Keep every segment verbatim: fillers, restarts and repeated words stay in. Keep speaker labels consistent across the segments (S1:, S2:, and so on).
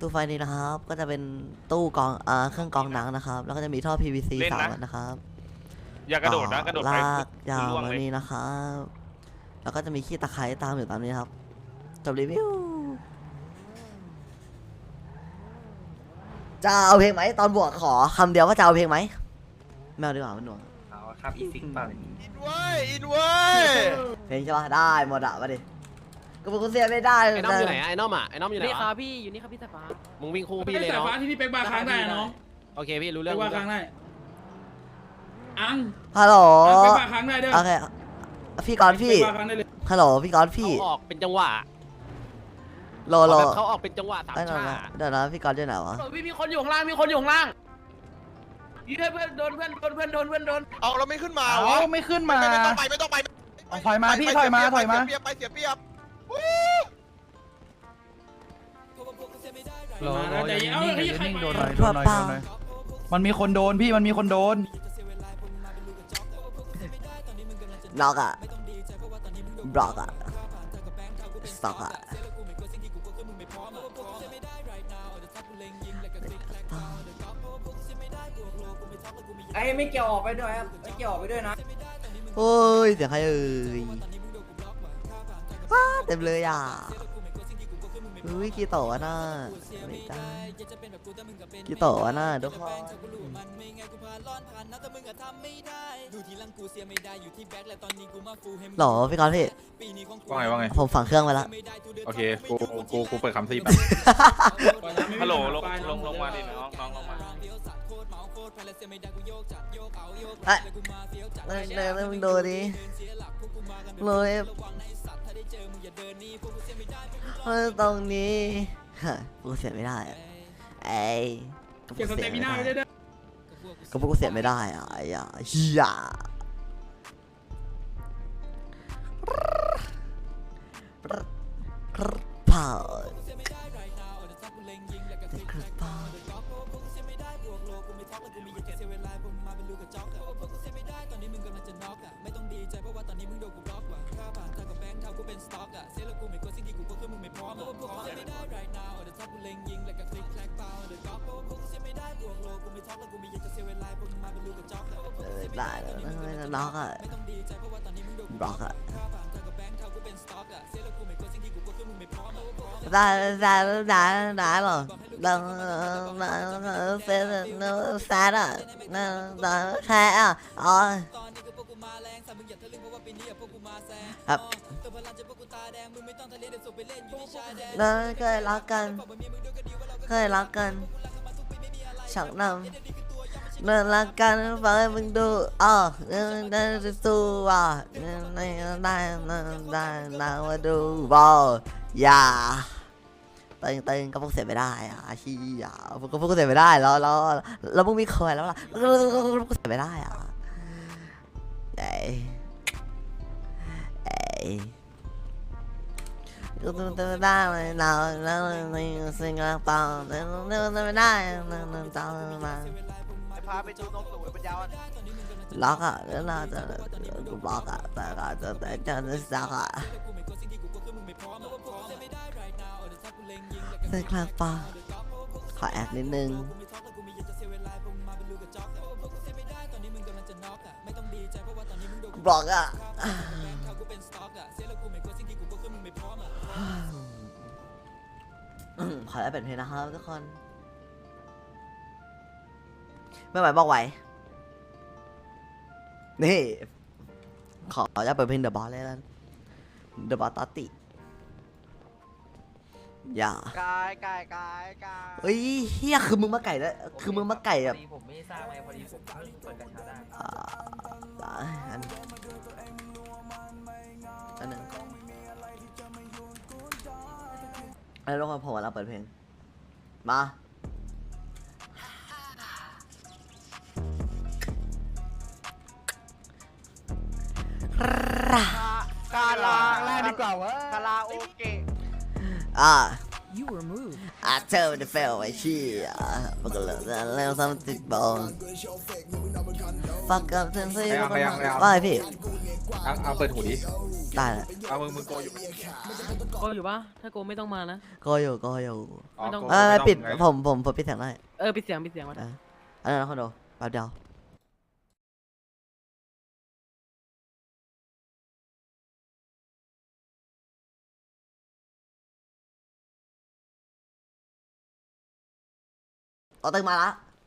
S1: ตู้ไฟนี้นะครับก็จะเป็นตู้กรองอ่าเครื่องกรองหนังนะครับแล้วก็จะมีท่อ พี วี ซี สามอันนะครับ
S2: อย่ากระโดดนะกระโดด
S1: ล
S2: ไป
S1: ากยาว
S2: ล่วง
S1: มา
S2: เลย
S1: นี่นะครับแล้วก็จะมีขี้ตะไคร้ตามอยู่ตามนี้ครับจบรีวิวจะเอาเพลงไหมตอนบวกขอคำเดียวว่าจะเอาเพลงไหมไม่เอาดีกว่ามันหน่วง
S3: เอาครับอีซิกเปล่าเนี่ย
S2: อินเว้ยอินเว้ย
S1: เพลงใช่ปะได้หมดอะมาดิก็บอกกูเสียไม่ได้
S4: ไอ้น้อมอยู่ไหนอะไอ้น้อมอ่ะไอ้น้อมอยู่ไหน
S5: นี่ครั
S4: วะ
S5: บพี่อยู่นี่ครับพี่สายฟ้า
S4: มึงวิ่งคู่
S6: พี่
S4: พี่เลย
S6: สาย
S4: เนาะ
S6: ฟ้าที่พี่เป๊กบาร์ค้างได้น้อง
S4: โอเคพี่รู้
S6: เป๊
S4: เรื่อก ง
S6: บาร์ค้างได้อัง
S1: ฮัลโหล
S6: อังเป๊กบาร์ค้างได้เด้อ
S1: โอเคพี่กอนพี่
S6: เป๊กบาร์ค้างได้เลย
S1: ฮัลโหลพี่กอนพี่
S4: เขาออกเป็นจังหวะ
S1: โลโล
S4: แบบเขาออกเป็นจังหวะสาม
S1: ได้หน่อย
S4: ชา
S1: นะเดี๋ยวนะพี่กอนอยู่ไหนวะ
S5: พี่มีคนอยู่ข้างล่างมีคนอยู่ข้างล่างพี่เพื่อนโดนเพื่อนโดนเพื่อนโดนเพื่อนโดน
S2: เอาเราไม่ขึ้นมา
S7: เอา
S2: วะ
S7: ไม่ขึ้นมา
S2: ไม่ไม่ต้องไปไม่ต้องไป
S7: เอาถอยมาพี่ถอยมาถอยมา
S2: เสียเปรียบไปเสียเปรียบ
S7: รอรออย่านิ่งอย่านิ่งโดนหน่อยโด
S1: ทั่วน
S7: หน่อย
S1: เปล่า
S7: โดนหน่อยมันมีคนโดนพี่มันมีคนโดน
S1: น็อกอะบล็อกอะสต็อกอะ
S5: ไอ้ไม่เกี่ยวออกไปด้วยครับไม่เกี่ยวออกไปด้วยนะ
S1: โอ้ยเสียงใครเอ่ยว้าเต็มเลยอ่ะอุ้ยกี่โตะน่ะไม่ได้กี่โตะน่ะทุกคนหรอพี่กอนพี่
S8: ว่าไงว่าไง
S1: ผมฝังเครื่องไว้แล้ว
S8: โอเค กูกูกูเปิดคำซีแบบ
S2: ฮัลโหลลงลงลงมาดิน้องน้องลงมา
S1: เอ้ยเดินเดินเดินมึงดูดิเลยเฮ้ยตรงนี้ฮะกูเสียไม่ได้อะไอ้ก็
S6: เก็บ
S1: กู
S6: ส
S1: เสี
S6: เต
S1: ย
S6: มิ
S1: ไม่
S6: น่า
S1: ได้
S6: ไว้ด้วยเด้อ
S1: ก็พวกกูเสียไม่ได้อ่ะไอ้ยาเฮียเผาได้แล้วนะล็อกอ่ะบล็อกอ่ะได้ได้ได้ได้หรอดังเซ็นแซดอ่ะนั่นแค่อ่ะอ๋อครับนั่นเคยรักกันเคยรักกันฉักนำนั่นรักกันฟังให้มึงดูอ๋อนั่นจะสู้ว่ะนั่นได้ได้นั่นได้นั่งมาดูบอลอย่าตึงตึงก็พวกเสียไม่ได้อ่ะชี้อ่ะพวกก็พวกเสียไม่ได้แล้วแล้วแล้วมึงมีเคยแล้วล่ะพวกเสียไม่ได้อ่ะเอ้ยเอ้ยก็ต้องได้เลยเราแล้วในสิ่งต่างๆเราไม่ได้เราต้องมา
S2: พาไปดูนกสวยปัญญา
S1: ล็อกอ่ะแล้วเราจะบล็อกอ่ะแต่ก็จะแต่จะสักอ่ะเซ็นคลังปะขอแอดนิดนึงบล็อกอ่ะขอแอดเป็นเพลงนะครับทุกคนไม่ไหวบอกไหวนี่ขอจะเปิดเพลงเดอะบอสเลยแล้วเดอะบอสตอติอย่าก
S5: ายกายกายกาย
S1: เฮ้ยเฮียคือมึงมาไก่แล้วคือมึงมาไก่แบบ
S5: ผมไม่ทราบไงพอดีผมเปิดกระชาได้
S1: อ่าอันอันหนึ่งไอ้ลูกของผมเราเปิดเพลงมา
S2: กาลา
S7: แรกดีกว่าวะ
S2: คาราโอเกะ
S1: อ่า I tell the fail ไอ้ชี้อ่ะมันก็เลยแล้วทำติดบอล fuck up ทั้งสี่ว่าไงพี่
S8: อังอังเปิดหูดิ
S1: ได้แหละ
S8: เอามึงมึงโกอยู่
S3: โกอยู่ปะถ้าโกไม่ต้องมานะ
S1: ก็อยู่ก็อยู่
S8: อ๋อ
S3: ไม่ต้อง
S8: โก
S1: เออ
S8: ไม่ต้อง
S1: ปิด
S8: ไง
S1: ผมผมผมปิดเสียงได้
S3: เออปิดเสียงปิดเสียงมา
S1: เอออันนั้นนะคอนโดแป๊บเดียวเอาตึงมาละ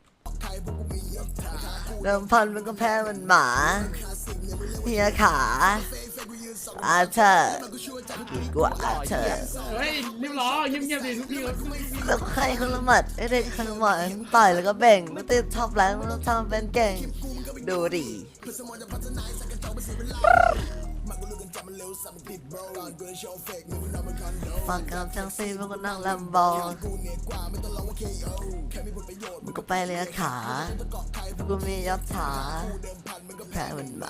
S1: เดิมพันมันก็แพ้มันหมาเฮียขาอาเธอกี่กว่าอาเธอ
S6: เฮ้ยรีบร้อเงียบๆดิทุกที
S1: แล้วใครคนละหมัดไอเด็กคนละหมัดต่อยแล้วก็แบ่งมันติดท็อปแรงมันทำเป็นเก่งดูดิฟังคำทั้งสี่มันก็นั่งลำบอมันก็ไปเลยขากูมียับขาแพ้เหมือนหมา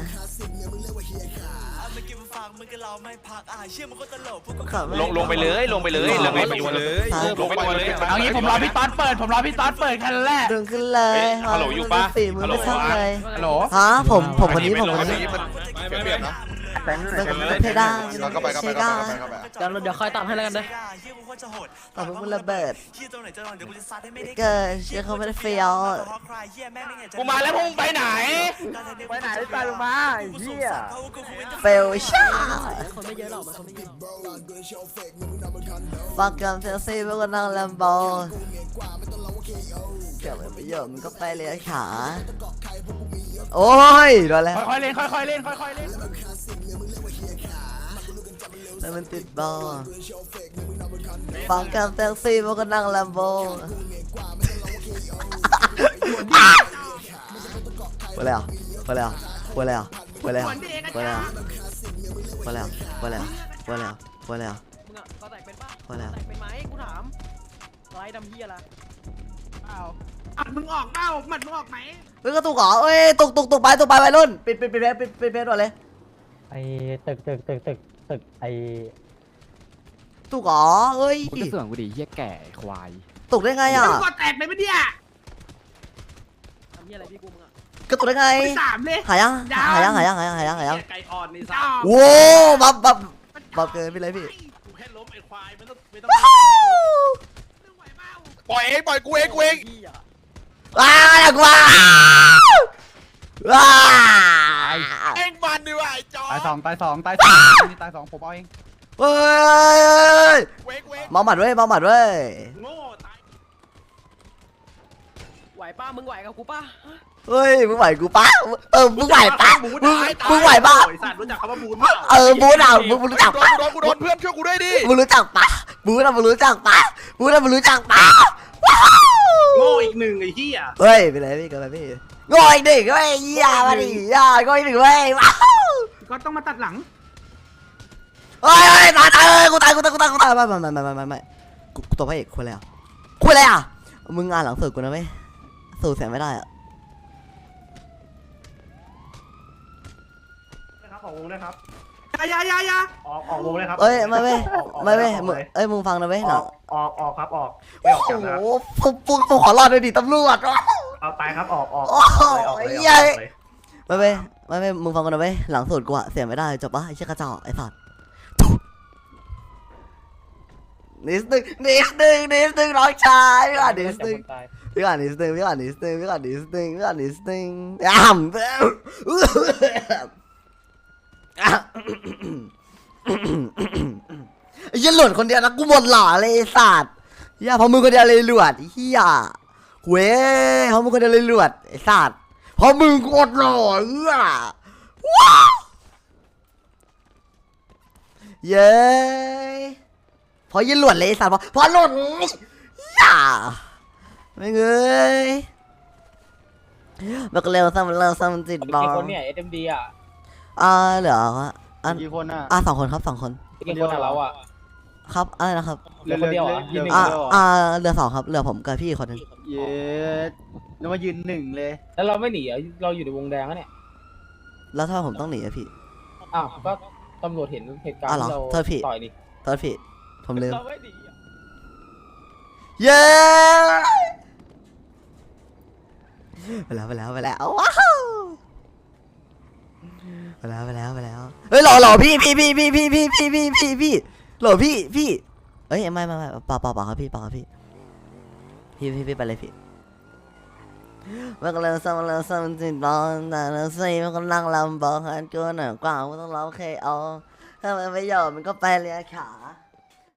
S2: ลงลงไปเลยลงไปเลยลงไปลงไปเลย
S1: ครับ
S2: ลงไปเลย
S7: เอางี้ผมรอพี่ต๊อดเปิดผมรอพี่ต๊อดเปิดแค่นั้นแรก
S1: ดึงขึ้นเลย
S2: ฮัลโหลอยู่ปะ
S1: สี่มือ
S2: ฮัลโหล
S1: ไม่ช่างเลย
S7: ฮัลโหล
S1: ฮะผมผมคนนี้ผมคนนี้
S8: เปลี่ยนเปลี่ยนนะ
S1: มันเพดาน
S8: เราก็ไปก็ไปก็ไปก็ไปก็ไป
S3: เดี๋ยวเดี๋ยวคอยตามให้แล้วกันเด้อ
S1: ต่อไปมันระเบิดเกิดเชื่อเขาไม่ได้เฟี้ยว
S2: กูมาแล้วพวกมึงไปไหน
S7: ไปไหนไปลงมาไอ้เหี้ย
S1: เฟลช่า
S3: คนไม่เยอะหรอกมันคนไม่เยอะ
S1: ฟังคำเซลซี่พวกก็นั่งลำบอเกี่ยวกับประโยชน์มันก็ไปเลยขาโอ้ยโดนแล้ว
S7: ค่อยๆเล่นค่อยๆเล่นค่อยๆเล่น
S1: แล้วมันติดบอลฟังคำเซลซี่พวกก็นั่งลำบอไปแล้วไปแล้วไปแล้วไปแล้วไปแล้วไปแล้วไปแล้วไปแล้วไปแล้ว
S3: มึงอะก็แตกเป็นปะ
S1: พอแล้ว
S3: แตกเป็นไหมกูถามไรดำเฮียละ
S5: อัดมึงออกเปล่าหมัดมึงออกไหม
S1: เฮ้ยกระตุกเหรอเอ้ยตุกตุกตุกไปตุกไปวัยรุ่นปิดปิดปิดเพจปิดปิดเพจก่อนเลย
S9: ไอ้ตึกตึกตึกตึกตึกไอ้
S1: ตุกเหรอเอ้ย
S4: มึงก็เสื่อมกูดิเฮียแก่ควาย
S1: ตุกได้ไงอ่ะ
S5: มึงก็แตกเลยปะเนี่ย
S3: ทำเฮียอะไรพี่กูมึงอะ
S1: กระตุกได้ไง
S5: ไปสามเลย
S1: หายังหายังหายังหายังหายังหายัง
S6: ไก่อ่อนนี่ซะ
S5: จ้า
S1: โว้บับบับบับเกินไปเลยพี่
S6: กูแค่ล้มไอ้ควายไม่ต้องไม่ต้อง
S1: ว้าว
S5: ไม่ไหวเปล่า
S8: ปล่อยเองปล่อยกูเองกูเอง
S3: เฮีย
S1: ว้าวอยากว้าวว้าว
S8: เองมันดีว่ะไอ้จอ
S7: ตายสองตายสองตายสองนี่ตายสองผมเอาเอง
S1: เฮ้ย
S8: เว้งเว้ง
S1: เมาหมัดเว้ยเมาหมัดเว้ย
S6: โง่ตาย
S3: ไหวป้ามึงไหวกับกูป้า
S1: เฮ้ยมึงไหวกูปะเออมึงไหวปะมึงมึงไหวปะ
S6: ไอ้สัตว์รู้จักคำว่าบูนเปล่า
S1: เออบูนอ่ะมึงมึงรู้จัก
S8: โด
S1: ปะ
S8: นกูโดนกูโดนเพื่อนช่วยกูด้วยดิ
S1: มึงรู้จักปะบูนอ่ะมึงรู้จักปะบูนอ่ะมึงรู้จักปะว้าว
S6: โง่อีกหนึ่งไอ้เหี้ย
S1: เฮ้ยไปเลยพี่กันเลยพี่งอยดิเว้ยยามาดิยางอยดิเว้ยว้าว
S5: ก็ต้องมาตัดหลัง
S1: เฮ้ยเฮ้ยตายตายเฮ้ยกูตายกูตายกูตายกูตายไม่ไม่ไม่ไม่ไม่ไม่กูตัวพระเอกคุยอะไรอ่ะคุยอะไรอ่ะมึงงานหลังสุดกูนะเว้ยสู้เสียไม่ได้อ่ะ
S6: นะครับออกวงนะครับ
S5: อย่าอย่าอย่า
S6: ออกออกวงเลยครับ
S1: เอ้ยไม่ไม่ไม่ไม่มึงเอ้ยมึงฟังนะเว้ยหลัง
S6: ออกออกครับออก
S1: โอ้โหผมผมผมขอรอดเลยดิตำรวจ
S6: เอาตายครับออกออก
S1: โอ้โหเย้ไม่ไม่ไม่ไม่มึงฟังกันนะเว้ยหลังสุดกูอะเสียไม่ได้จบปะไอ้เชี่ยกระจอกไอ้สัตว์นิดนึงนิดนึงนิดนึงน้องชายพี่ก่อนนิดนึง
S9: ตาย
S1: พี่ก่อนนิดนึงพี่ก่อนนิดนึงพี่ก่อนนิดนึงพี่ก่อนนิดนึงอ่ำไอ้เหี้ยหลุดคนเดียวนะกูหมดหล่อเลยไอ้สัตว์เหี้ยเพราะมึงคนเดียวเลยหลวดไอ้เหี้ยเว้ยเพราะมึงคนเดียวเลยหลวดไอ้สัตว์เพราะมึงโคตรหล่อเอื้อว้าวเย้เพราะยี่หลวดเลยไอ้สัตว์เพราะเพราะหลุดอย่าไม่เงยมันก็เร็วซ้ำเร็วซ้ำจิตบอล
S9: กี่คนเนี่ย เอ็ม ดี อ่ะ
S1: อ่าเหลืออัน
S7: กี่คนอ่ะ
S1: อ่าสองคนครับสองคน
S9: กี่คนอ่ะเราอ่ะ
S1: ครับอะไรนะครับ
S9: เหลือคนเดียวเหรอยืนหนึ่ง
S1: อ่า
S9: เดียวเหรอ
S1: อ่าเหลือสองครับเหลือผมกับพี่อีกคนนึง
S7: เย็ดแล้วมายืนหนึ่งเลย
S9: แล้วเราไม่หนีเหรอเราอยู่ในวงแดงอะเนี่ย
S1: แล้วถ้าผมต้องหนีอะพี่
S9: อ้าว ก็ตำรวจเห็นเหตุการณ์
S1: อ้าวเหรอ
S9: ที่เรา
S1: โทษพี่
S9: ต่อยนี่
S1: โทษพี่ผมลืม
S9: เราไม่หนีอะ
S1: เย้ไปแล้วไปแล้วไปแล้วว้าวไปแล้วไปแล้วไปแล้วเฮ้ยหล่อหล่อพี่พี่พี่พี่พี่พี่พี่พี่พี่พี่หล่อพี่พี่เอ้ยไม่ไม่ไม่เปล่าเปล่าเปล่าครับพี่เปล่าครับพี่พี่พี่พี่ไปเลยพี่มันก็เลยซ้ำแล้วซ้ำจิตร้อนแต่เราสิมันก็นั่งลำบอกหันกูหน่อยกว่ามันต้องร้องเคเอาถ้ามันไม่ยอมมันก็ไปเลียขา